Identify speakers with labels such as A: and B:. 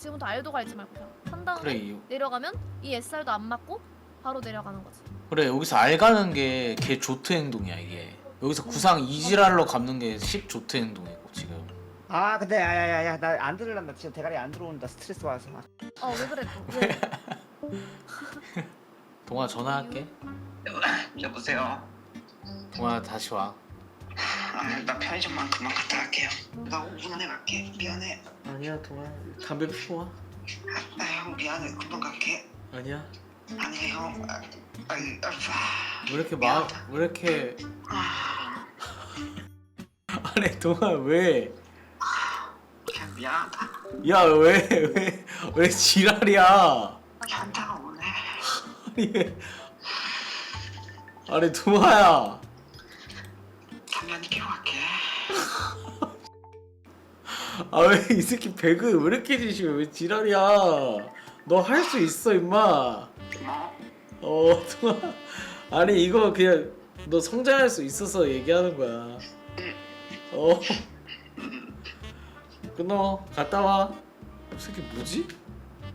A: 지금부터 알도 갈지 말고 그냥 한 다음에
B: 그래
A: 내려가면 이 SR도 안 맞고 바로 내려가는 거지.
B: 그래 여기서 알 가는 게 개 조트 행동이야 이게. 여기서 구상 이지랄로 갚는 게 10 조트 행동이고 지금.
C: 아 근데 야야야야 나 안 들으란다 지금 대가리 안 들어온다 스트레스 받아서.
A: 왜 그래 또? 왜?
B: 동아 전화할게.
D: 여보세요.
B: 동아 다시 와.
D: 나 편의점만 그만 갔다 갈게요. 나 5분 안에 갈게. 미안해.
B: 아니야 동아 담배 피워 와.
D: 형 미안해. 금방 갈게.
B: 아니야.
D: 아니야 형.
B: 왜 이렇게 왜 이렇게 아니 동아 왜?
D: 그냥 미안하다.
B: 야 왜 지랄이야?
D: 현타가 오네.
B: 아니 왜? 아니 동아야.
D: 장난이 끼고 갈게.
B: 아 왜 이 새끼 배그 왜 이렇게 지시해? 왜 지랄이야? 너 할 수 있어 임마.
D: 뭐?
B: 동아. 아니 이거 그냥 너 성장할 수 있어서 얘기하는 거야. 끊어. 갔다 와. 이 새끼 뭐지?